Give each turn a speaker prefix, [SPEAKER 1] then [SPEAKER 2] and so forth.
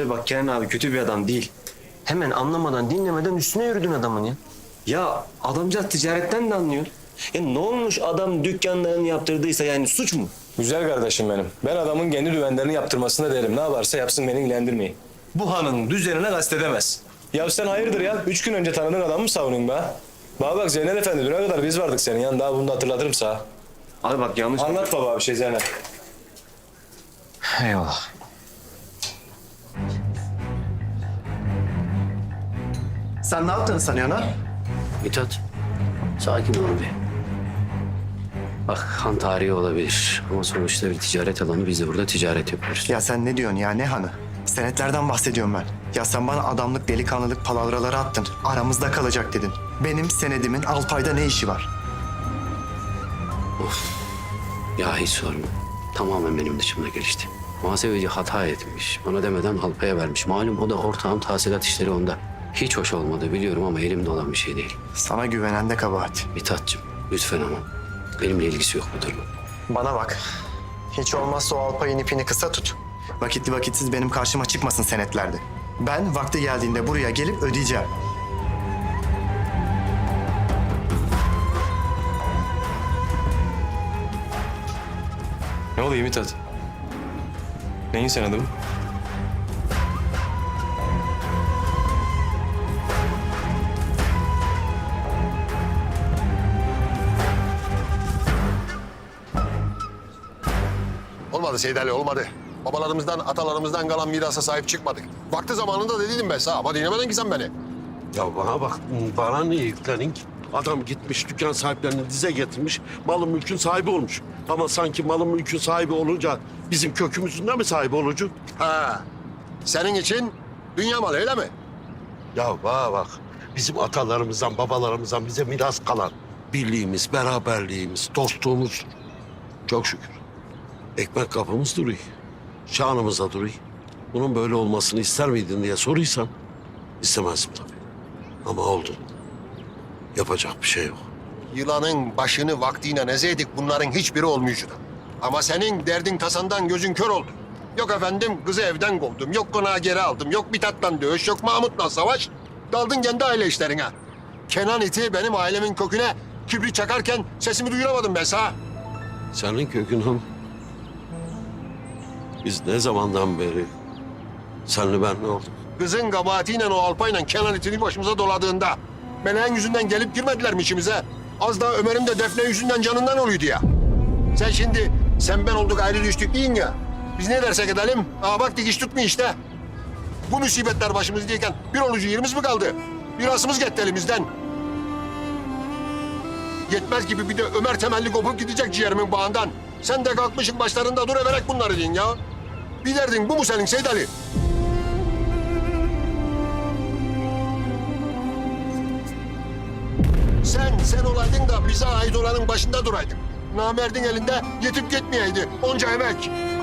[SPEAKER 1] Abi bak Kenan abi kötü bir adam değil. Hemen anlamadan dinlemeden üstüne yürüdün adamın ya. Ya adamcağız ticaretten de anlıyor. Ya ne olmuş adam dükkanlarını yaptırdıysa yani suç mu?
[SPEAKER 2] Güzel kardeşim benim. Ben adamın kendi düvenlerini yaptırmasına derim. Ne yaparsa yapsın beni ilgilendirmeyin. Bu hanın düzenine kastedemez. Ya sen hayırdır ya? 3 gün önce tanıdığın adamı mı savunuyorsun be? Bana bak Zeynep Efendi, düne kadar biz vardık senin yanında. Daha bunu da hatırlatırım sana.
[SPEAKER 1] Abi bak yanlış...
[SPEAKER 2] Anlat baba bir şey Zeynep.
[SPEAKER 1] Eyvallah.
[SPEAKER 3] Sen ne yaptığını sanıyorsun ha?
[SPEAKER 4] Mithat, sakin ol bir. Bak han tarihi olabilir ama sonuçta bir ticaret alanı, biz de burada ticaret yapıyoruz.
[SPEAKER 3] Ya sen ne diyorsun ya, ne hanı? Senetlerden bahsediyorum ben. Ya sen bana adamlık, delikanlılık palavraları attın. Aramızda kalacak dedin. Benim senedimin Alpay'da ne işi var?
[SPEAKER 4] Ya hiç sorma. Tamamen benim dışımda gelişti. Muhasebeci hata etmiş. Bana demeden Alpay'a vermiş. Malum o da ortağım, tahsilat işleri onda. Hiç hoş olmadı biliyorum ama elimde olan bir şey değil.
[SPEAKER 3] Sana güvenen de kabahat.
[SPEAKER 4] Mithat'cığım lütfen ama. Benimle ilgisi yok bu durumun.
[SPEAKER 3] Bana bak. Hiç olmazsa o Alpay'ın ipini kısa tut. Vakitli vakitsiz benim karşıma çıkmasın senetlerde. Ben vakti geldiğinde buraya gelip ödeyeceğim.
[SPEAKER 2] Ne oluyor Mithat? Neyin senedi bu?
[SPEAKER 5] Olmadı Seyit Ali, olmadı. Babalarımızdan, atalarımızdan kalan mirasa sahip çıkmadık. Vakti zamanında dediydim ben sana ama dinlemedin ki sen beni.
[SPEAKER 6] Ya bana bak, bana niye yüklenin ki? Adam gitmiş, dükkan sahiplerini dize getirmiş, malın mülkün sahibi olmuş. Ama sanki malın mülkün sahibi olunca bizim kökümüzün de mi sahibi olacak?
[SPEAKER 5] Ha, senin için dünya malı öyle mi?
[SPEAKER 6] Ya bana bak, bizim atalarımızdan, babalarımızdan bize miras kalan birliğimiz, beraberliğimiz, dostluğumuz. Çok şükür. Ekmek kapımız duruyor. Şanımıza duruyor. Bunun böyle olmasını ister miydin diye soruysam istemezdim tabii. Ama oldu. Yapacak bir şey yok.
[SPEAKER 5] Yılanın başını vaktiyle ezeydik, bunların hiçbiri olmayacak. Ama senin derdin tasandan gözün kör oldu. Yok efendim kızı evden kovdum, yok konağı geri aldım, yok Mithat'la dövüş, yok Mahmut'la savaş. Daldın kendi aile işlerine. Kenan iti benim ailemin köküne kibrit çakarken sesimi duyuramadım ben sana.
[SPEAKER 6] Senin kökün hanım. Biz ne zamandan beri senle ben ne olduk?
[SPEAKER 5] Kızın kabahatiyle o Alpay'la Kenan itini başımıza doladığında meleğin yüzünden gelip girmediler mi içimize? Az daha Ömer'im de Defne yüzünden canından oluyordu ya. Sen ben olduk ayrı düştük deyin ya. Biz ne dersek edelim? Aa bak dikiş tutmuyor işte. Bu musibetler başımızdayken bir olucu yerimiz mi kaldı? Mirasımız gitti elimizden. Yetmez gibi bir de Ömer temelli kopup gidecek ciğerimin bağından. Sen de kalkmışsın başlarında dur everek bunları deyin ya. Bir derdin bu mu senin Seyit Ali? Sen olaydın da bize ait olanın başında duraydın. Namerdin elinde yetip gitmeyeydi onca emek.